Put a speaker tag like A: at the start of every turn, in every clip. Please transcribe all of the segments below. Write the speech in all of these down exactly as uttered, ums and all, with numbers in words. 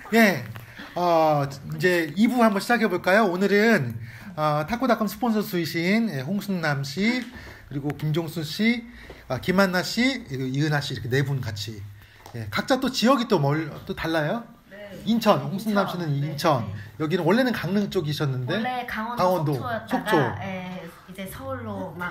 A: 예, 어, 이제 이 부 한번 시작해 볼까요? 오늘은 어, 타코닷컴 스폰서 수이신 예, 홍순남 씨, 그리고 김종수 씨, 아, 김한나 씨, 그리고 이은하 씨 이렇게 네 분 같이 예, 각자 또 지역이 또 멀 또 달라요?
B: 네.
A: 인천, 홍순남
B: 인천.
A: 씨는
B: 네.
A: 인천,
B: 네.
A: 여기는 원래는 강릉 쪽이셨는데
B: 원래 강원도,
A: 강원도,
B: 속초였다가
A: 속초.
B: 예, 이제 서울로 막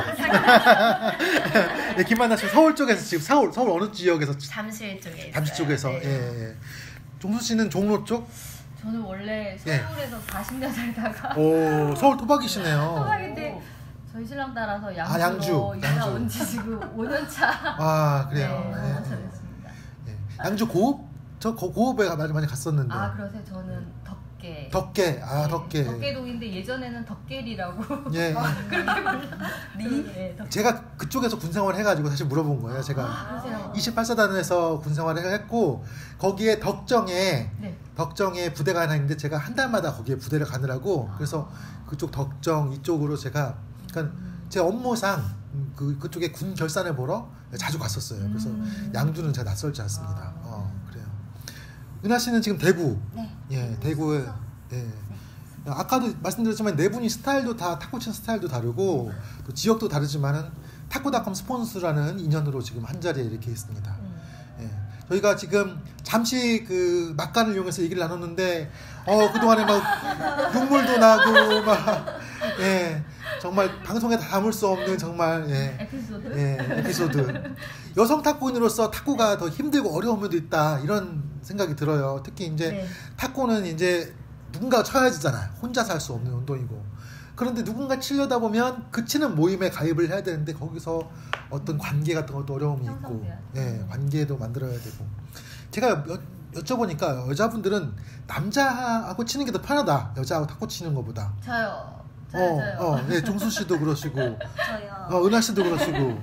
A: 네, 김만나 씨 서울 쪽에서 지금 서울 서울 어느 지역에서
B: 잠실 쪽에 있어요.
A: 잠시 쪽에서
B: 네.
A: 예, 예. 종수 씨는 종로 쪽?
C: 저는 원래 서울에서 사십 년 살다가
A: 오 서울 토박이시네요.
C: 토박인데 저희 신랑 따라서 양주로
A: 아, 양주,
C: 이사
A: 양주.
C: 온 지 지금 오 년 차.
A: 아 그래요.
C: 네,
A: 예,
C: 오 년 차
A: 예.
C: 됐습니다.
A: 예. 양주 고읍? 저 고, 고읍에 많이 많이 갔었는데.
C: 아 그러세요? 저는 덕계.
A: 덕계, 아
C: 네,
A: 덕계.
C: 덕계동인데 예전에는 덕계리라고.
A: 예.
C: 그렇게 불리. 네, 덕계.
A: 제가 그쪽에서 군 생활 해가지고 사실 물어본 거예요. 제가
C: 아, 그러세요?
A: 이십팔 사단에서 군 생활을 했고 거기에 덕정에
C: 네.
A: 덕정에 부대가 하나 있는데 제가 한 달마다 거기에 부대를 가느라고 그래서 그쪽 덕정 이쪽으로 제가 그러니까 제 업무상 그 그쪽에 군 결산을 보러 자주 갔었어요. 그래서
C: 음.
A: 양주는 제가 낯설지 않습니다. 어 그래요. 은하 씨는 지금 대구.
B: 네.
A: 예, 대구에. 예. 아까도 말씀드렸지만 네 분이 스타일도 다 탁구 치는 스타일도 다르고 또 지역도 다르지만은 타코닷컴 스폰서라는 인연으로 지금 한 자리에 이렇게 있습니다.
C: 음.
A: 예. 저희가 지금 잠시 그 막간을 이용해서 얘기를 나눴는데 어 그동안에 막 눈물도 나고 막 예. 정말 방송에 다 담을 수 없는 정말 예.
C: 에피소드.
A: 예, 에피소드. 여성 탁구인으로서 탁구가 더 힘들고 어려운 면도 있다 이런 생각이 들어요. 특히 이제
C: 네.
A: 탁구는 이제 누군가 쳐야지잖아요. 혼자서 할 수 없는 운동이고. 그런데 누군가 치려다 보면 그 치는 모임에 가입을 해야 되는데 거기서 어떤 관계 같은 것도 어려움이 있고,
C: 형성돼야
A: 예, 관계도 만들어야 되고. 제가 여, 여쭤보니까 여자분들은 남자하고 치는 게 더 편하다. 여자하고 탁구 치는 것보다.
C: 저요. 저요.
A: 어,
C: 저요.
A: 어, 네, 종수 씨도 그러시고,
B: 저요.
A: 어, 은하 씨도 그러시고.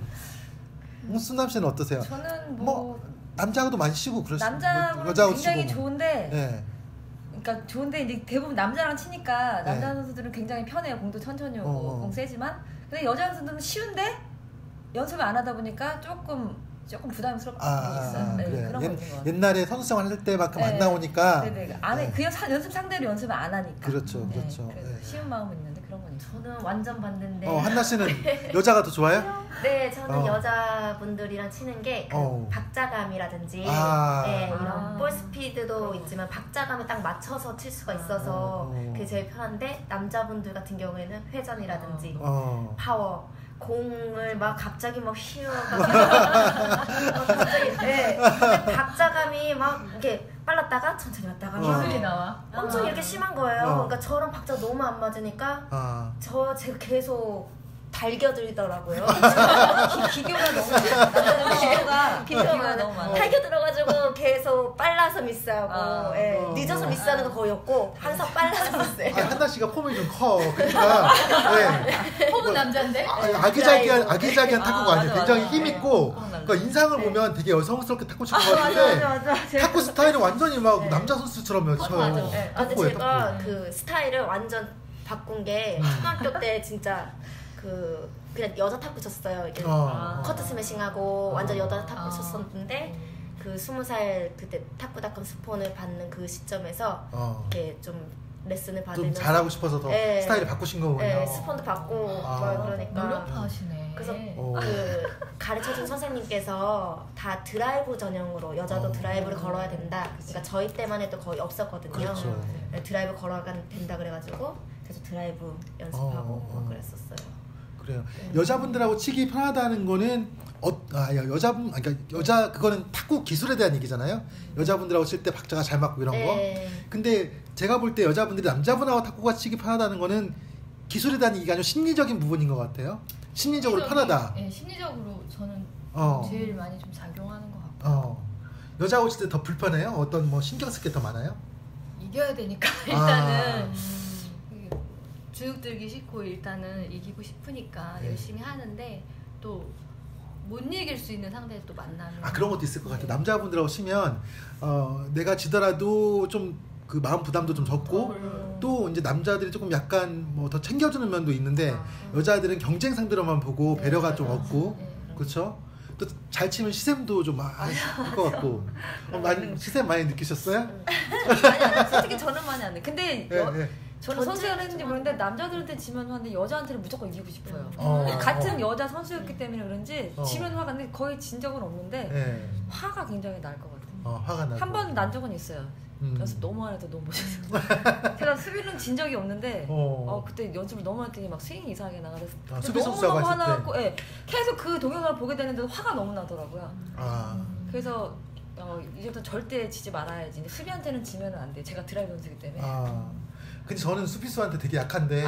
A: 홍순남 씨는 어떠세요?
D: 저는 뭐,
A: 뭐 남자하고도 많이 쉬고 그러시고
D: 남자하고는
A: 여자하고
D: 굉장히
A: 치고 뭐.
D: 좋은데
A: 예.
D: 그러니까 좋은데 이제 대부분 남자랑 치니까 남자
A: 네.
D: 선수들은 굉장히 편해요. 공도 천천히 오고
A: 어, 어.
D: 공 세지만 근데 여자 선수들은 쉬운데 연습을 안 하다 보니까 조금 조금 부담스럽게
A: 아,
D: 있어요. 네,
A: 그래요.
D: 그런 거 있는 것
A: 옛,
D: 같아요.
A: 옛날에 선수 생활 할 때만큼 안
D: 네.
A: 나오니까
D: 네네. 안 해.
A: 네.
D: 그 연- 연습 상대로 연습을 안 하니까.
A: 그렇죠,
D: 네,
A: 그렇죠.
D: 그래서
A: 네.
D: 쉬운 마음은 있는데 그런 건 있어요.
B: 저는 완전 반대인데.
A: 어, 한나 씨는 여자가 더 좋아요?
B: 네, 저는
A: 어.
B: 여자분들이랑 치는 게 그
A: 어.
B: 박자감이라든지
A: 아.
B: 네, 이런
D: 아.
B: 볼 스피드도 있지만 박자감에 딱 맞춰서 칠 수가 있어서
A: 어.
B: 그게 제일 편한데 남자분들 같은 경우에는 회전이라든지
A: 어.
B: 파워 공을 막 갑자기 막 휘어가지고 막 갑자기 네. 근데 박자감이 막 이렇게 빨랐다가 천천히 왔다가
A: 어.
B: 막
C: 기술이 나와.
B: 엄청 이렇게 심한 거예요.
A: 어.
B: 그러니까 저랑 박자 너무 안 맞으니까
A: 아.
B: 저 제가 계속 달겨들더라고요.
D: 기- 기교가 너무 많아. 기교가 기교가 너무 많아.
B: 달겨들어가지고 계속 빨라서 미스하고
D: 아.
B: 예,
A: 어.
B: 늦어서 미스하는 거 거의 없고 항상 빨라서 미스해요.
A: 아, 한나 씨가 폼이 좀 커. 그러니까 네.
C: 폼은 남자인데?
A: 아, 아기자기한 아기자기한
D: 아,
A: 탁구가 아니에요.
D: 맞아,
A: 굉장히
D: 맞아.
A: 힘 있고.
D: 네.
A: 그러니까 인상을 보면 되게 여성스럽게 탁구 치는 것
B: 맞아
A: 같은데
B: 맞아 맞아. 제가-
A: 탁구 스타일은 완전히 막
B: 네.
A: 남자 선수처럼 쳐요.
C: 맞아.
B: 네, 아, 근데
A: 탁구예요,
B: 제가
A: 탁구.
B: 그 스타일을 완전 바꾼 게
A: 음.
B: 초등학교 때 진짜 그 그냥 여자 탁구 쳤어요. 이렇게
A: 어.
B: 커트 스매싱하고 완전 여자 탁구
C: 아.
B: 쳤었는데 그 스무 살 그때 탁구닷컴 스폰을 받는 그 시점에서
A: 어.
B: 이렇게 좀 레슨을
A: 좀
B: 받으면서
A: 잘하고 싶어서 더
B: 네.
A: 스타일을 바꾸신 거군요.
B: 네, 스폰도 받고
A: 아.
B: 막 그러니까
C: 노력하시네.
B: 그래서
A: 어.
B: 그 가르쳐준 선생님께서 다 드라이브 전형으로 여자도
A: 어.
B: 드라이브를 걸어야 된다. 그러니까 저희 때만 해도 거의 없었거든요.
A: 그렇죠.
B: 네, 드라이브 걸어야 된다 그래가지고 그래서 드라이브 연습하고
A: 어, 어.
B: 막 그랬었어요.
A: 그래요. 여자분들하고 치기 편하다는 거는 어, 아, 야, 여자분, 아, 그러니까 여자 그거는 탁구 기술에 대한 얘기잖아요. 여자분들하고 칠 때 박자가 잘 맞고 이런 거.
B: 네.
A: 근데 제가 볼 때 여자분들이 남자분하고 탁구가 치기 편하다는 거는 기술에 대한 얘기가 아니라 심리적인 부분인 것 같아요. 심리적으로
C: 심리적이-
A: 편하다.
C: 네, 심리적으로 저는
A: 어.
C: 제일 많이 좀 작용하는 것 같고
A: 어. 여자하고 칠 때 더 불편해요? 어떤 뭐 신경 쓸 게 더 많아요?
C: 이겨야 되니까
A: 아.
C: 일단은 그 주눅 들기 싫고 일단은 이기고 싶으니까
A: 네.
C: 열심히 하는데 또 못 이길 수 있는 상대를 또 만나면
A: 아 그런 것도 있을 것 같아요.
C: 네.
A: 남자분들하고 치면 어, 내가 지더라도 좀 그 마음 부담도 좀 적고
C: 음.
A: 또 이제 남자들이 조금 약간 뭐 더 챙겨주는 면도 있는데
C: 아.
A: 여자들은 경쟁 상대로만 보고
C: 네,
A: 배려가
C: 맞아.
A: 좀 없고
C: 네, 그런
A: 그렇죠? 또 잘 치면 시샘도 좀 할 것 같고. 어, 많이 시샘 많이 느끼셨어요?
D: 아니, 아니, 솔직히 저는 많이 안 돼. 근데
A: 네,
D: 여,
A: 네.
D: 저는 선수를 했는지 모르는데 남자들한테 지면 화는데 여자한테는 무조건 이기고 싶어요.
A: 어,
D: 같은
A: 어.
D: 여자 선수였기 때문에 그런지
A: 어.
D: 지면 화가 근데 거의 진 적은 없는데
A: 네.
D: 화가 굉장히 날 것 같아요.
A: 어, 화가 나고.
D: 한 번 난 적은 있어요.
A: 음.
D: 연습 너무 안 해도 너무 못해서 제가 수비는 진 적이 없는데
A: 어.
D: 어, 그때 연습을 너무 했더니 막 스윙이 이상하게 나가서
A: 아, 수비
D: 너무
A: 선수하고
D: 너무
A: 했을 때.
D: 화나고 예, 계속 그 동영상을 보게 되는데 화가 너무 나더라고요.
A: 아.
D: 그래서 어, 이제부터 절대 지지 말아야지. 근데 수비한테는 지면은 안 돼. 제가 드라이브 연습이기 때문에.
A: 아. 근데 저는 수비수한테 되게 약한데.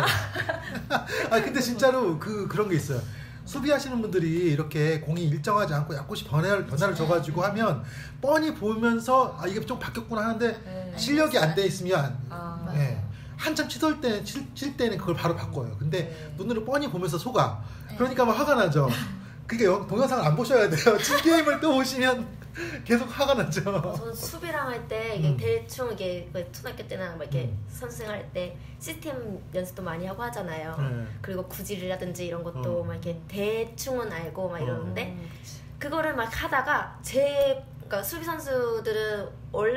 A: 아 근데 진짜로 그 그런 게 있어요. 수비하시는 분들이 이렇게 공이 일정하지 않고 약간씩 변화를 변화를 줘가지고 하면 뻔히 보면서 아 이게 좀 바뀌었구나 하는데
D: 네.
A: 실력이 안 돼 있으면
D: 아,
A: 예, 한참 치돌 때 칠, 칠 때는 그걸 바로 바꿔요. 근데
D: 네.
A: 눈으로 뻔히 보면서 속아. 그러니까 막 화가 나죠. 그러니까 동영상을 안 보셔야 돼요. 친 게임을 또 보시면 계속 화가 나죠.
B: 저는 수비랑 할 때 이게
A: 음.
B: 대충 이게 그 초등학교 때나 막 이렇게
A: 음.
B: 선수생 할 때 시스템 연습도 많이 하고 하잖아요.
A: 네.
B: 그리고 구질이라든지 이런 것도
A: 어.
B: 막 이렇게 대충은 알고 막 이러는데
D: 음, 그치.
B: 그거를 막 하다가 제 그러니까 수비 선수들은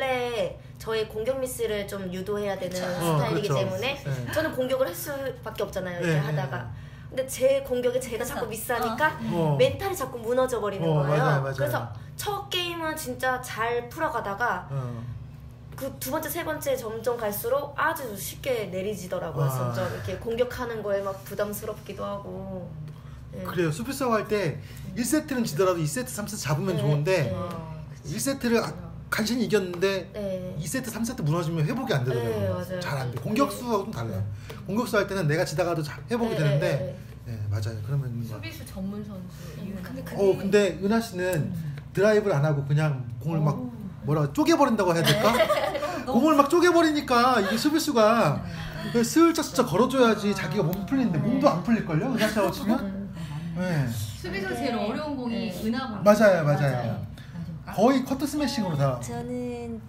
B: 원래 저의 공격 미스를 좀 유도해야 되는
A: 어,
B: 스타일이기
A: 그렇죠.
B: 때문에
A: 네.
B: 저는 공격을 할 수밖에 없잖아요. 이렇게
A: 네,
B: 하다가.
A: 네.
B: 근데 제 공격에 제가 자꾸 미스하니까
A: 어.
B: 멘탈이 자꾸 무너져 버리는
A: 어,
B: 거예요.
A: 맞아요, 맞아요.
B: 그래서 첫 게임은 진짜 잘 풀어가다가
A: 어.
B: 그 두 번째, 세 번째 점점 갈수록 아주 쉽게 내리지더라고요.
A: 아.
B: 점점 이렇게 공격하는 거에 막 부담스럽기도 하고. 네.
A: 그래요. 수비수하고 할 때 일 세트는 지더라도 이 세트, 삼 세트 잡으면
B: 네,
A: 좋은데
B: 네.
D: 어, 그치.
A: 일 세트를 아, 간신히 이겼는데
B: 네.
A: 이 세트, 삼 세트 무너지면 회복이 안
B: 네,
A: 되더라고요.
B: 맞아요.
A: 잘 안 돼. 공격수하고 좀 달라요. 공격수 할 때는 내가 지다가도 잘 회복이
B: 네,
A: 되는데
B: 네,
A: 네, 맞아요. 그러면 뭐.
C: 수비수 전문 선수 이유는
D: 근데 그게-
A: 어 근데 은하 씨는 드라이브를 안 하고 그냥 공을 막 뭐라 쪼개버린다고 해야 될까? 공을 막 쪼개버리니까 이게 수비수가 슬쩍 슬쩍 걸어줘야지 자기가 몸 풀리는데 몸도 안 풀릴걸요? 은하 씨하고 치면? 네.
C: 수비수 제일 어려운 공이
B: 네.
C: 은하공.
A: 맞아요, 맞아요. 거의 커트 스매싱으로 다.
E: 저는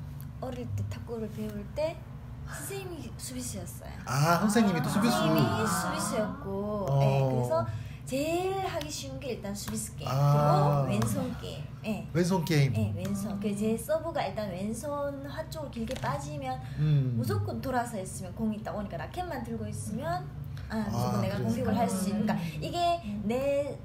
E: 어릴 때 탁구를 배울 때 선생님이 수비수였어요.
A: 아 선생님이 또 수비수.
E: 선생님이 수비수였고,
A: 어.
E: 네, 그래서 제일 하기 쉬운 게 일단 수비수 게임,
A: 아.
E: 그리고 왼손 게임. 네.
A: 왼손 게임.
E: 네, 왼손. 그 제 서브가 일단 왼손 화 쪽으로 길게 빠지면
A: 음.
E: 무조건 돌아서 있으면 공이 딱 오니까 라켓만 들고 있으면 아 무조건
A: 아,
E: 내가
A: 그래서.
E: 공격을 할 수 있는. 그러니까 이게 내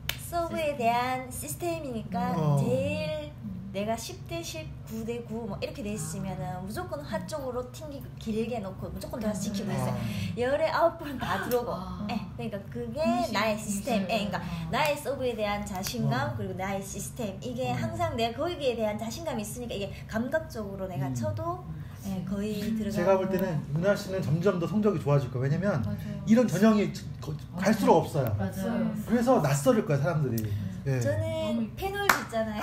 E: 서브에 대한 시스템이니까
A: 어.
E: 제일 내가 십 대 십, 구 대 구 뭐 이렇게 돼 있으면은 무조건 화 쪽으로 튕기고 길게 놓고 무조건 돌아서 지키고 있어요. 열에 아홉 번은 다 들어오고.
C: 아.
E: 예, 그러니까 그게 나의 시스템. 예, 그러니까 나의 서브에 대한 자신감
A: 어.
E: 그리고 나의 시스템. 이게
A: 어.
E: 항상 내가 거기에 대한 자신감이 있으니까 이게 감각적으로 내가
A: 음.
E: 쳐도 예, 거의 들어가고.
A: 제가 볼 때는 은하 씨는 점점 더 성적이 좋아질 거예요. 왜냐면
C: 맞아요.
A: 이런 전형이 거- 갈수록 없어요.
C: 맞아요.
A: 그래서 낯설을 거야 사람들이. 예.
E: 저는 페놀도 있잖아요.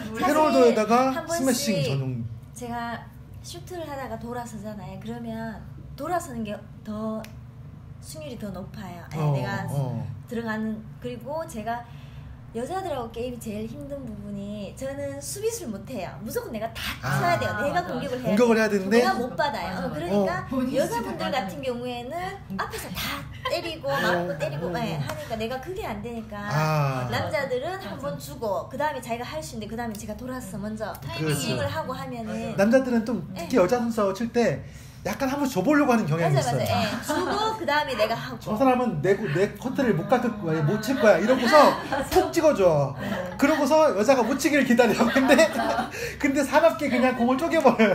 A: 패널도에다가
E: 한 번씩
A: 스매싱 전용.
E: 제가 슈트를 하다가 돌아서잖아요. 그러면 돌아서는 게 더 승률이 더 높아요. 예,
A: 어,
E: 내가
A: 어.
E: 들어가는. 그리고 제가 여자들하고 게임이 제일 힘든 부분이 저는 수비수를 못해요. 무조건 내가 다
A: 아.
E: 쳐야 돼요. 내가
C: 맞아.
E: 공격을 해야
A: 공격을
E: 돼요.
A: 해야 되는데
E: 내가 못 받아요.
C: 맞아, 맞아.
E: 그러니까
C: 본인이
E: 여자분들
C: 맞아.
E: 같은 경우에는 앞에서 다 때리고 맞고 때리고
A: 어.
E: 예, 하니까 내가 그게 안 되니까
A: 아.
E: 남자들은 한 번 주고 그 다음에 자기가 할 수 있는데 그 다음에 제가 돌아서 먼저
A: 그렇죠.
E: 스윙을 하고 하면은
A: 남자들은 좀 특히 여자 선수하고 칠 때 약간 한번 줘보려고 하는 경향이
E: 맞아
A: 있어요.
E: 맞아 예, 주고 그 다음에 내가 하고.
A: 저 사람은 내, 내 커트를 못 깎을 거야, 못 칠 거야 이러고서 푹 찍어줘. 그러고서 여자가 못 치기를 기다려. 근데 근데 사납게 그냥 공을 쪼개버려요.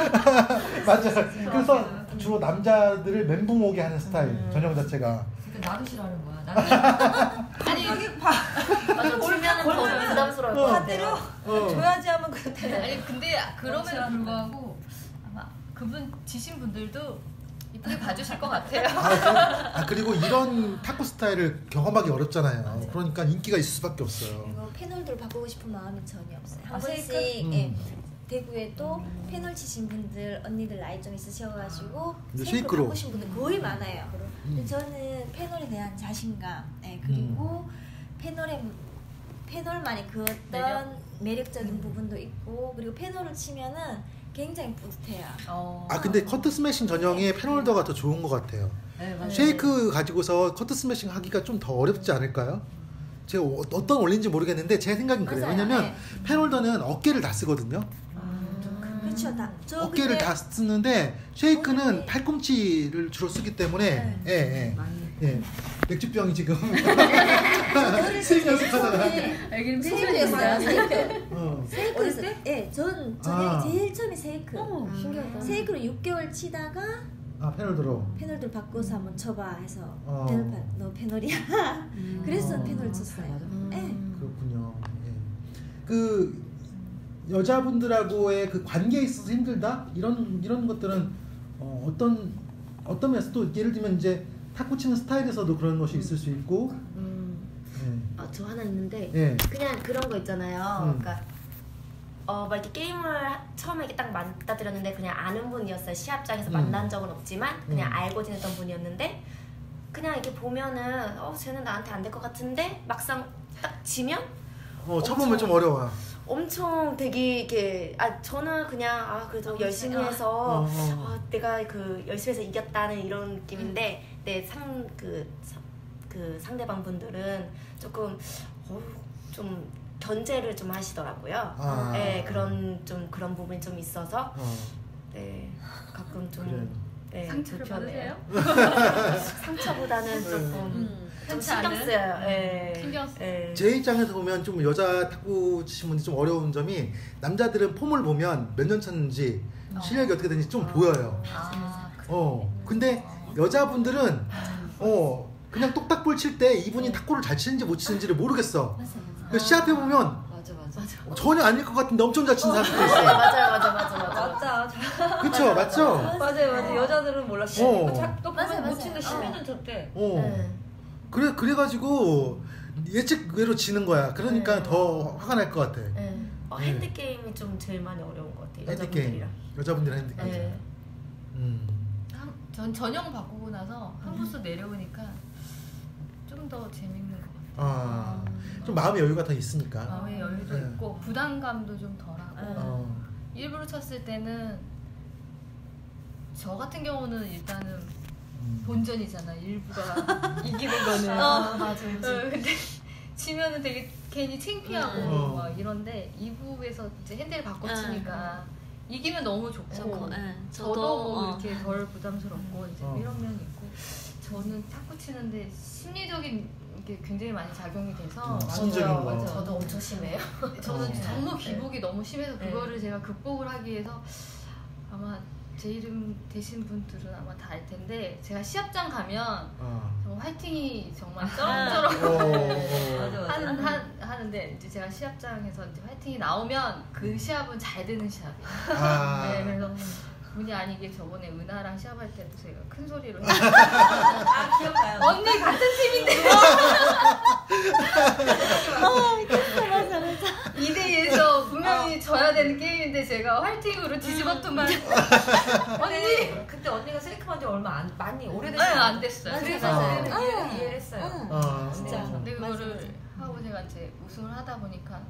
A: 맞아. 그래서 주로 남자들을 멘붕 오게 하는 스타일 전형 자체가.
C: 그러니까 나도 싫어하는 거야. 나도. 아니 여기 봐.
B: 맞아, 주면은 더 부담스러울 것
A: 어.
B: 같아요.
A: 어.
D: 줘야지 하면 그때
C: 아니 근데 그럼에도 불구하고 아마 그분 지신 분들도 이쁘게 봐주실 것 같아요.
A: 아, 그- 아, 그리고 이런 탁구 스타일을 경험하기 어렵잖아요. 그러니까 인기가 있을 수밖에 없어요.
E: 그리고 패널들을 바꾸고 싶은 마음이 전혀 없어요. 한
D: 아,
E: 번씩
A: 음.
E: 예, 대구에도 패널 치신 분들 언니들 나이 좀 있으셔가지고
A: 근데
E: 쉐이크로
A: 쉐이크로.
E: 바꾸신 분들 거의 많아요.
A: 음.
E: 근데 저는 패널에 대한 자신감, 예, 그리고 패널에 패널만이 그 어떤
C: 매력?
E: 매력적인 부분도 있고 그리고 패널을 치면은 굉장히 뿌듯해요.
C: 어.
A: 아 근데 커트 스매싱 전형의 패널더가 더 좋은 것 같아요.
C: 네, 맞아요.
A: 쉐이크 가지고서 커트 스매싱 하기가 좀 더 어렵지 않을까요? 제가 어- 어떤 원리인지 모르겠는데 제 생각은 그래요.
E: 맞아요.
A: 왜냐면
E: 네.
A: 펜홀더는 어깨를 다 쓰거든요.
E: 그렇죠. 다. 저
A: 어깨를
E: 근데
A: 다 쓰는데 쉐이크는
E: 오늘-
A: 팔꿈치를 주로 쓰기 때문에 예, 예. 예. 맥주병이 지금
E: 어릴
A: 스윙
E: 때
A: 연습하다가
D: 여기는
E: 세이크였어요. 세이크.
A: 어.
E: 세이크였어. 예, 전 저녁에
A: 아.
E: 제일 처음에 세이크.
D: 어, 신기하다.
E: 세이크로 육 개월 치다가
A: 아 페놀더로
E: 패널들 바꿔서 한번 쳐봐 해서
A: 어.
E: 패널 바, 너 패널이야. 그래서
A: 어.
E: 패널 쳤어요. 예.
A: 그렇군요. 예. 그 여자분들하고의 그 관계에 있어서 힘들다 이런 이런 것들은 어, 어떤 어떤 면에서 또 예를 들면 이제 탁구 치는 스타일에서도 그런 것이 있을 수 있고
B: 음,
A: 예.
B: 아, 저 하나 있는데
A: 예.
B: 그냥 그런 거 있잖아요.
A: 음.
B: 그러니까 어, 막 이렇게 게임을 하- 처음에 이렇게 딱 맞닥뜨렸는데 그냥 아는 분이었어요. 시합장에서
A: 음.
B: 만난 적은 없지만 그냥
A: 음.
B: 알고 지냈던 분이었는데 그냥 이렇게 보면은 어 쟤는 나한테 안 될 것 같은데 막상 딱 지면
A: 어, 쳐보면 좀 어려워요.
B: 엄청 되게 이렇게 아 저는 그냥 아 그래도 열심히 해서
A: 어, 어.
B: 아, 내가 그 열심히 해서 이겼다는 이런 느낌인데 내 상 그 그 상대방 분들은 조금 어, 좀 견제를 좀 하시더라고요.
A: 아.
B: 네 그런 좀 그런 부분이 좀 있어서
A: 어,
B: 네 가끔 좀
A: 그래요.
B: 네,
C: 상처를
B: 불편해요.
C: 받으세요?
B: 상처보다는 조금
D: 음.
B: 좀
C: 흔치
B: 신경
C: 않은?
B: 쓰여요. 네.
C: 신경 쓰-
B: 네.
A: 제 입장에서 보면 좀 여자 탁구 치신 분들이 좀 어려운 점이 남자들은 폼을 보면 몇 년 쳤는지 실력이 어떻게 되는지 좀 보여요.
C: 아, 그래.
A: 어 근데 여자분들은 어 그냥 똑딱볼 칠 때 이분이 탁구를 잘 치는지 못 치는지를 모르겠어. 그 시합해 보면
D: 맞아 맞아.
A: 전혀 아닐 것 같은데 엄청 잘 치는 사람도
B: 네,
A: 있어요.
B: 맞아요, 맞아, 맞아, 맞아.
D: 맞다.
A: 그쵸, 맞죠?
D: 맞아요 맞아. 여자들은 몰라.
A: 어.
D: 또
E: 맞아,
D: 보면 못
E: 맞아.
D: 치는데 십몇 년 쳤대.
A: 어
B: 네.
A: 그래 그래가지고 예측외로 지는 거야. 그러니까
B: 네.
A: 더 화가 날 것 같아.
B: 네. 어,
A: 네.
B: 핸드 게임이 좀 제일 많이 어려운 것 같아요.
A: 핸드 게임
B: 여자분들이랑.
A: 여자분들 핸드 게임.
B: 네.
A: 음.
C: 한- 전 전형 바꾸고 나서 한 부스 내려오니까 좀 더 재밌는 것 같아요.
A: 아, 좀 마음의 여유가 더 있으니까.
C: 마음의 여유도
A: 네.
C: 있고 부담감도 좀 덜하고
A: 어.
C: 일부러 쳤을 때는 저 같은 경우는 일단은
A: 음.
C: 본전이잖아. 일부가 이기는 거는.
B: 어, 맞아, 맞아.
C: 어, 근데 지면은 되게 괜히 창피하고
A: 음.
C: 막 이런데 이 부에서 이제 핸들을 바꿔
E: 음.
C: 치니까 이기면 너무 좋고
E: 좋고, 예.
C: 저도,
E: 저도,
C: 뭐
E: 어.
C: 이렇게 덜 부담스럽고 이제
A: 어.
C: 이런 면이 있고 저는 탁구 치는데 심리적인 게 굉장히 많이 작용이 돼서
A: 음, 심리적인 거.
C: 맞아요.
B: 저도 엄청 심해요.
C: 저는
A: 어.
C: 너무 기복이 너무 심해서
B: 네.
C: 그거를 제가 극복을 하기 위해서 아마 제 이름 되신 분들은 아마 다 알 텐데 제가 시합장 가면
A: 어.
C: 정말 화이팅이 정말
A: 어,
C: 쩌렁쩌렁
A: 어.
D: 맞아 맞아.
C: 하는, 한, 하는데 이제 제가 시합장에서 이제 화이팅이 나오면 그 시합은 잘 되는 시합이에요.
A: 아.
C: 네, 그래서 본의 아니게 저번에 은하랑 시합할 때도 제가 큰 소리로
D: 아 기억나요.
C: 언니 같은 팀인데 이 대이에서 분명히 져야 되는 게임인데 제가 화이팅으로 뒤집었더만
D: 언니 그때 언니가 세이크만 지 얼마 안 많이
C: 네,
D: 오래됐어요.
C: 안 됐어요.
E: 맞아,
C: 그래서
A: 맞아.
C: 저는
E: 아.
C: 이해를, 이해를 했어요.
E: 응.
A: 어.
E: 진짜.
C: 근데
E: 맞아,
C: 그거를 하고 제가 이제 우승을 하다 보니까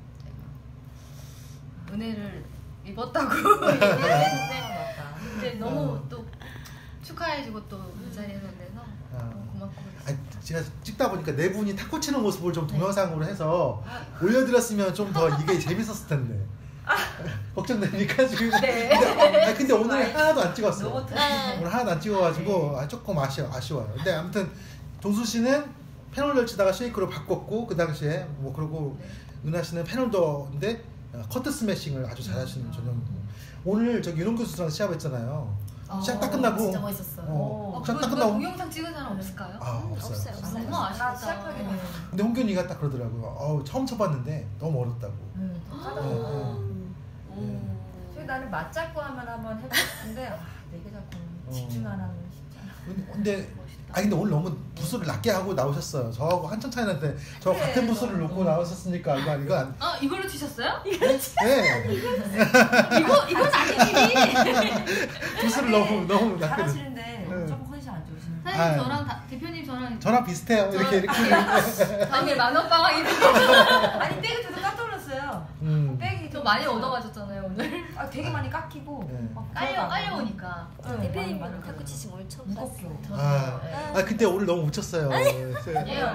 C: 제가 은혜를 입었다고 얘기를 했는데 근데 너무
A: 어.
C: 또 축하해주고 또 그 자리에서 그래서
A: 어.
C: 너무 고맙고
A: 아니, 제가 찍다 보니까 네 분이 탁구 치는 모습을 좀 동영상으로 해서 올려드렸으면 좀 더 이게 재밌었을 텐데. 걱정되니까 지금.
C: 네.
A: 근데, 아니, 근데 오늘 하나도 안 찍었어.
D: 로봇.
A: 오늘 하나도 안 찍어가지고
C: 네.
A: 아, 조금 아쉬워, 아쉬워요. 근데 아무튼 종수 씨는 패널 치다가 쉐이크로 바꿨고 그 당시에 뭐 그리고
C: 네.
A: 은하 씨는 패널더인데 어, 커트 스매싱을 아주 잘하시는 전형이고 오늘 저기 윤홍 교수랑 시합했잖아요. 시합 딱 끝나고
B: 진짜 멋있었어요.
A: 어,
C: 어,
A: 시합
C: 그거
A: 딱
C: 누가
A: 끝나고
C: 동영상 찍은 사람 없을까요?
A: 아 없어요.
E: 없어요, 없어요.
C: 너무 아쉽다.
D: 시작하게
C: 네.
A: 근데 홍균이가 딱 그러더라고요. 어우, 처음 쳐봤는데 너무 어렵다고.
C: 음.
A: 네,
C: 음.
D: 저희 나는 맞잡고 하면 한번 해보고 싶은데 아, 네개 잡고 집중 안 하면 쉽지 않아.
A: 네. 근데
C: 멋있다.
A: 아 근데 오늘 너무 부스를 낮게 하고 나오셨어요. 저하고 한참 차이 나는데 저
D: 그래,
A: 같은 부스를
D: 너무.
A: 놓고 나오셨으니까 이거 이거 안.
C: 아 이걸로 치셨어요?
A: 네.
C: 이거 이건 아니지.
A: 부스를 너무 너무 낮게. 놓-
D: 잘하시는데
A: 네.
D: 조금 컨디션 안 좋으시는.
C: 사장님
A: 아유.
C: 저랑 다, 대표님 저랑
A: 저랑 비슷해요. 이렇게 이렇게.
C: 다음에 만원방학이
D: 아니 백이 저도 깜짝 놀랐어요.
A: 음.
D: 백이
C: 저 많이 얻어가셨잖아요 오늘.
D: 아 되게 많이 깎이고
A: 네.
D: 막
C: 깔려
D: 들어가고.
C: 깔려오니까.
D: 네,
E: 대표님
D: 많이, 많이
E: 탁구 치시 오늘 처음
D: 무겁게.
E: 봤어요.
A: 아, 아 근데 오늘 너무 묻혔어요.
C: 아니에요.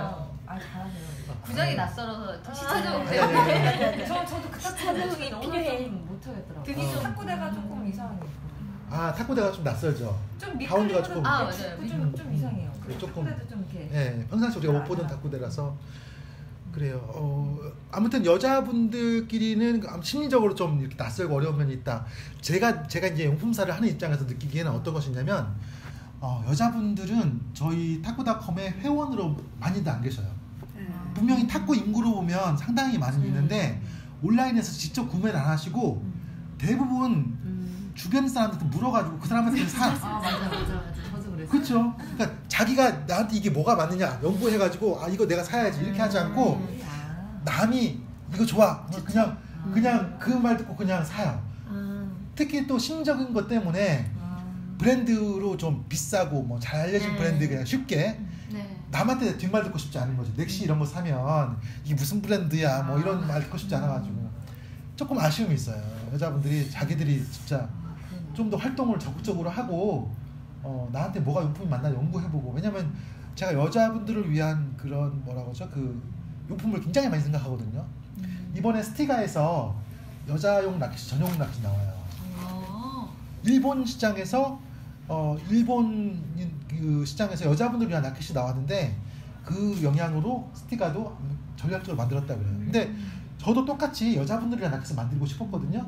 D: 아 잘하세요.
C: 구장이 낯설어서 시차적으로
A: 아니, 아니, 아니,
C: 때문에
D: 저 저도 그
E: 자동이 필요해.
D: 못하겠더라고요.
C: 등이 좀
D: 탁구대가 조금 이상해요.
A: 아 탁구대가 좀 낯설죠.
D: 좀
A: 가운데가
D: 미끌리는
A: 조금-
C: 아, 맞아요.
D: 좀, 좀 이상해요.
A: 네, 조금-
D: 탁구대도 좀 이렇게.
A: 예, 평상시 우리가 못 보던 탁구대라서 그래요. 어, 아무튼 여자분들끼리는 심리적으로 좀 이렇게 낯설고 어려운 면이 있다. 제가 제가 이제 용품사를 하는 입장에서 느끼기에는 어떤 것이냐면 어, 여자분들은 저희 탁구닷컴의 회원으로 많이들 안 계셔요. 분명히 탁구 인구로 보면 상당히 많이 있는데 온라인에서 직접 구매를 안 하시고 대부분 주변 사람들한테 물어가지고 그 사람한테 사.
C: 아 맞아 맞아 맞아 저도 그랬어요.
A: 그렇죠. 그러니까 자기가 나한테 이게 뭐가 맞느냐 연구해가지고 아 이거 내가 사야지 이렇게 하지 않고
D: 음, 아.
A: 남이 이거 좋아 그냥 그냥 그 말 듣고 그냥 사요.
E: 아,
A: 특히 또 심적인 것 때문에 브랜드로 좀 비싸고 뭐 잘 알려진
E: 네.
A: 브랜드 그냥 쉽게
C: 네.
A: 남한테 뒷말 듣고 싶지 않은 거죠. 넥시 이런 거 사면 이게 무슨 브랜드야 뭐 이런 말 듣고 싶지 않아가지고 조금 아쉬움이 있어요. 여자분들이 자기들이 진짜 좀 더 활동을 적극적으로 하고 어, 나한테 뭐가 용품이 맞나 연구해보고 왜냐면 제가 여자분들을 위한 그런 뭐라고 하죠 그 용품을 굉장히 많이 생각하거든요. 이번에 스티가에서 여자용 라켓 전용 라켓이 나와요.
C: 아,
A: 일본 시장에서 어 일본 그 시장에서 여자분들 위한 라켓이 나왔는데 그 영향으로 스티가도 전략적으로 만들었다 그래요. 근데 저도 똑같이 여자분들 위한 라켓을 만들고 싶었거든요.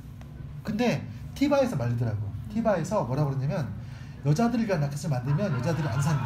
A: 근데 티바에서 말리더라고. 티바에서 뭐라 그러냐면 여자들을 위한 라켓을 만들면 여자들이 안 산대요.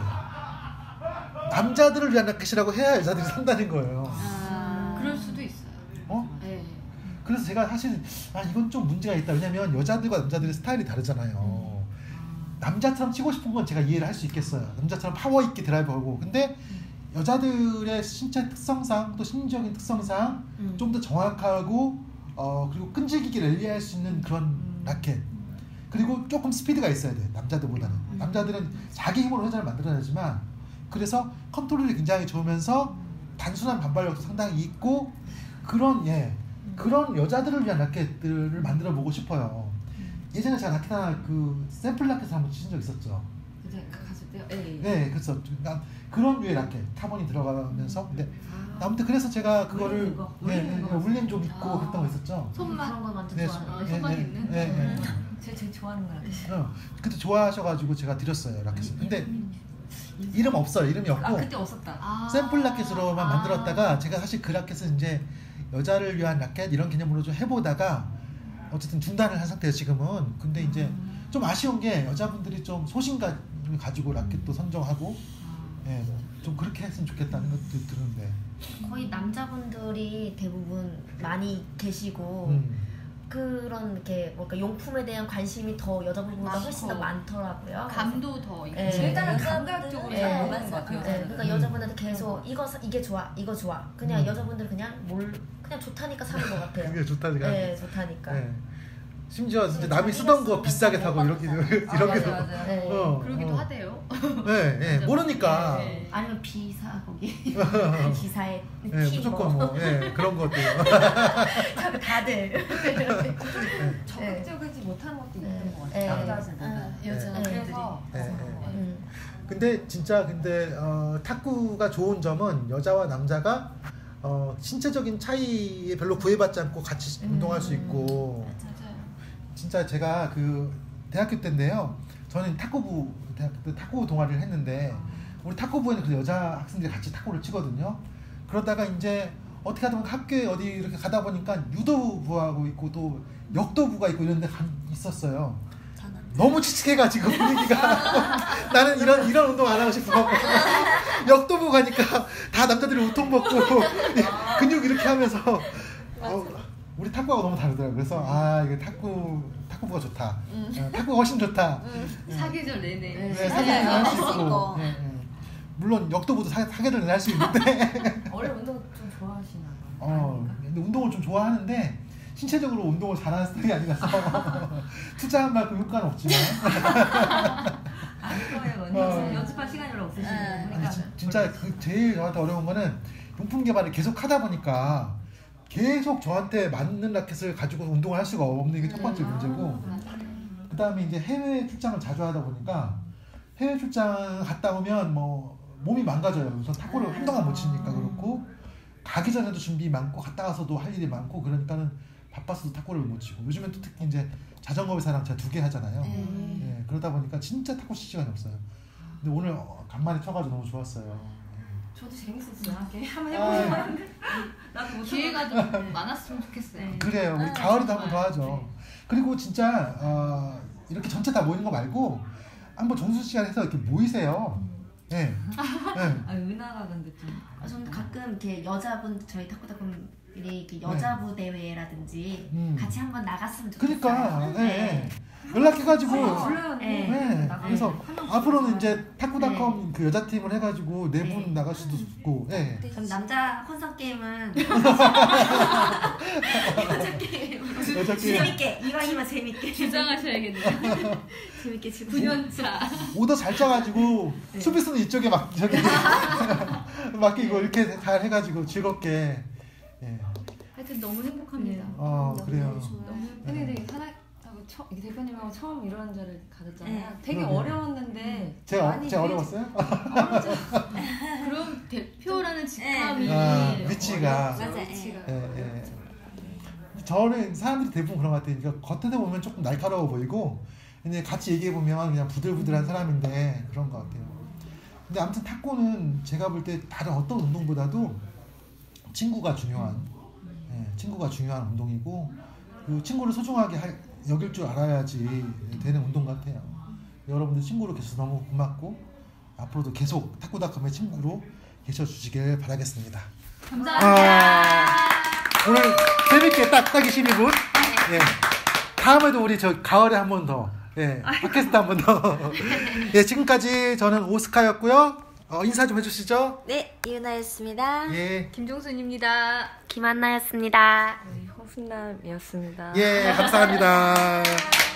A: 남자들을 위한 라켓이라고 해야 여자들이 산다는 거예요.
E: 아,
C: 그럴 수도 있어요.
A: 어?
C: 네.
A: 그래서 제가 사실 아 이건 좀 문제가 있다. 왜냐면 여자들과 남자들의 스타일이 다르잖아요. 남자처럼 치고 싶은 건 제가 이해를 할 수 있겠어요. 남자처럼 파워 있게 드라이브하고. 근데 여자들의 신체 특성상 또 심리적인 특성상
E: 음.
A: 좀 더 정확하고 어 그리고 끈질기게 랠리할 수 있는 그런 라켓. 그리고 조금 스피드가 있어야 돼. 남자들보다는. 남자들은 자기 힘으로 회전을 만들어내지만 그래서 컨트롤이 굉장히 좋으면서 단순한 반발력도 상당히 있고 그런 예 그런 여자들을 위한 라켓들을 만들어 보고 싶어요. 예전에 제가 라켓 하나 그 샘플 라켓을 한번 치신 적 있었죠.
C: 이제 갔을 때요. 네.
A: 네, 그래서 그러니까 그런 류의 라켓 카본이 들어가면서 근데 아무튼 그래서 제가 그거를
D: 울리는 거,
A: 예,
D: 울리는
A: 예,
D: 거.
A: 울림 좀 있고
C: 아.
A: 그랬던 거 있었죠.
C: 손맛
B: 그런 거 완전
A: 네,
B: 좋아해요.
A: 예,
C: 손맛
A: 예,
C: 있는.
A: 예, 예.
D: 제가 제일 좋아하는 거야.
A: 어, 그때 좋아하셔가지고 제가 드렸어요 라켓을. 근데 이름 없어요. 이름이
D: 아
A: 없고
D: 그때 없었다.
C: 아.
A: 샘플 라켓으로만
C: 아.
A: 만들었다가 제가 사실 그 라켓을 이제 여자를 위한 라켓 이런 개념으로 좀 해보다가 어쨌든 중단을 한 상태예요 지금은. 근데 이제 좀 아쉬운 게 여자분들이 좀 소신감을 가지고 라켓도 선정하고 예, 좀 그렇게 했으면 좋겠다는 것도 드는데
B: 거의 남자분들이 대부분 많이 계시고
A: 음.
B: 그런 이렇게 뭔가 용품에 대한 관심이 더 여자분보다
C: 많고.
B: 훨씬 더 많더라고요.
C: 감도 더 있고.
B: 네.
D: 일단은
E: 여자분들은
D: 감각적으로
B: 네.
D: 잘 보는 것 같아요.
B: 네, 그러니까
A: 음.
B: 여자분한테 계속 이거 사- 이게 좋아, 이거 좋아. 그냥
A: 음.
B: 여자분들 그냥 뭘 그냥 좋다니까 사는 것 같아요.
A: 그게 좋다니까.
B: 네, 좋다니까.
A: 예. 심지어 진짜
E: 네,
A: 남이
E: 자기가
A: 쓰던 거
E: 쓰는
A: 비싸게
E: 거
A: 사고 이렇게
E: 먹어봤다.
A: 이렇게
D: 아, 맞아, 맞아.
B: 네.
A: 어,
C: 그러기도
A: 어.
C: 하대요.
A: 네, 예, 모르니까.
C: 네.
B: 아니면 비사 거기 기사에
A: 예,
B: 티
A: 무조건
B: 뭐.
A: 뭐 예, 그런 것도
B: 자꾸 다들.
D: 적극적이지 못하는 것도 있는
B: 네.
D: 것
B: 네.
D: 같아요. 남자들보다.
B: 아,
C: 여자
B: 네.
D: 그래서
A: 네, 네.
B: 음.
A: 근데 진짜 근데 어, 탁구가 좋은 점은 여자와 남자가 어, 신체적인 차이에 별로 구애받지 않고 같이
B: 음.
A: 운동할 수 있고
C: 맞아요.
A: 진짜 제가 그 대학교 때인데요. 저는 탁구부 대학교 때 탁구 동아리를 했는데 우리 탁구부에는 그 여자 학생들이 같이 탁구를 치거든요. 그러다가 이제 어떻게 하다 보면 학교에 어디 이렇게 가다 보니까 유도부하고 있고 또 역도부가 있고 이런 데 가- 있었어요.
E: 저는
A: 너무 칙칙해가지고 분위기가 나는 이런 이런 운동 안 하고 싶어. 역도부 가니까 다 남자들이 우통 벗고 근육 이렇게 하면서 어, 우리 탁구하고 너무 다르더라고요. 그래서 아 이게 탁구 탁구부가 좋다. 어, 탁구가 훨씬 좋다.
C: 사계절 내내.
B: 네.
A: 네, 사계를 할 수
E: 할수
A: 있고.
E: 있고.
A: 예, 예. 물론 역도부도 사, 사계를 할 수 있는데
D: 원래 운동 좀 좋아하시나 봐요.
A: 어, 근데 운동을 좀 좋아하는데 신체적으로 운동을 잘하는 스타일이 아니라서 투자한 만큼 효과는 없지만
D: 안 거예요.
A: 어.
D: 연습, 연습할 시간이 별로 없으시고
E: 네.
A: 아니,
D: 그러니까
A: 진, 진짜 그 제일 저한테 어려운 거는 용품 개발을 계속 하다 보니까 계속 저한테 맞는 라켓을 가지고 운동을 할 수가 없는 게 첫 번째 문제고 그 다음에 이제 해외 출장을 자주 하다 보니까 해외 출장 갔다 오면 뭐 몸이 망가져요. 우선 탁구를 한동안 못 치니까 그렇고 가기 전에도 준비 많고 갔다 와서도 할 일이 많고 그러니까는 바빠서도 탁구를 못 치고 요즘엔 또 특히 이제 자전거 회사랑 제가 두 개 하잖아요.
E: 음.
A: 예, 그러다 보니까 진짜 탁구 칠 시간이 없어요. 근데 오늘 어, 간만에 쳐가지고 너무 좋았어요.
D: 저도 재밌었어요. 이렇게 한번
A: 아,
D: 해보고 싶었는데 나도 못
C: 기회가 좀 많았으면 좋겠어요.
D: 네.
A: 그래요. 우리
E: 아,
A: 가을에도 한번 더
C: 정말.
A: 하죠.
C: 네.
A: 그리고 진짜 어, 이렇게 전체 다 모이는 거 말고 한번 정수 시간 해서 이렇게 모이세요. 예. 네.
D: 아 은하가 근데 좀
B: 아, 저는 가끔 이렇게 여자분 저희 탁구탁구들이 이렇게 여자부 대회라든지
A: 음.
B: 같이 한번 나갔으면 좋겠어요.
A: 그러니까 예.
B: 네.
A: 연락해가지고
D: 불러요.
B: 네.
A: 네.
D: 나가요.
A: 그래서
D: 한 명씩
A: 앞으로는
D: 나가요.
A: 이제 탁구닷컴 그 여자 팀을 해가지고 네 분
B: 네.
A: 나갈 수도 있고. 예.
B: 그럼 남자 혼성 게임은 여자 게임으로
A: 여자 게임.
B: 재밌게 이왕이면 재밌게
C: 주장하셔야겠네요.
B: 재밌게 지금
C: 구 년 차.
A: 오더 잘 짜가지고 수비수는 이쪽에 막 저기 맡기고 이렇게 잘 해가지고 즐겁게. 예.
C: 하여튼 너무 행복합니다.
A: 어 그래요.
C: 너무
D: 근데 되게 사랑하고 처, 이 대표님하고 처음 이런 자를 가졌잖아요.
B: 네.
D: 되게
A: 그러게요.
D: 어려웠는데
A: 제가
D: 많이
A: 제가
D: 되게
A: 어려웠어요?
C: 그럼 대표라는 직함이
A: 아, 위치가.
E: 맞아요.
D: 위치가
A: 예, 예. 저는 사람들이 대부분 그런 것 같아요. 그러니까 겉에 보면 조금 날카로워 보이고, 근데 같이 얘기해 보면 그냥 부들부들한 사람인데 그런 것 같아요. 근데 아무튼 탁구는 제가 볼 때 다른 어떤 운동보다도 친구가 중요한, 예, 친구가 중요한 운동이고, 그 친구를 소중하게 할, 여길 줄 알아야지 되는 운동 같아요. 여러분들 친구로 계셔서 너무 고맙고 앞으로도 계속 탁구닷컴의 친구로 계셔주시길 바라겠습니다.
C: 감사합니다.
A: 오늘 재밌게 딱 딱 이십이 분. 예. 다음에도 우리 저 가을에 한 번 더. 예. 팟캐스트 한 번 더. 예, 지금까지 저는 오스카였고요. 어, 인사 좀 해주시죠.
E: 네, 이은하였습니다.
A: 예.
C: 김종순입니다.
B: 김한나였습니다.
D: 홍순남이었습니다.
A: 예, 감사합니다.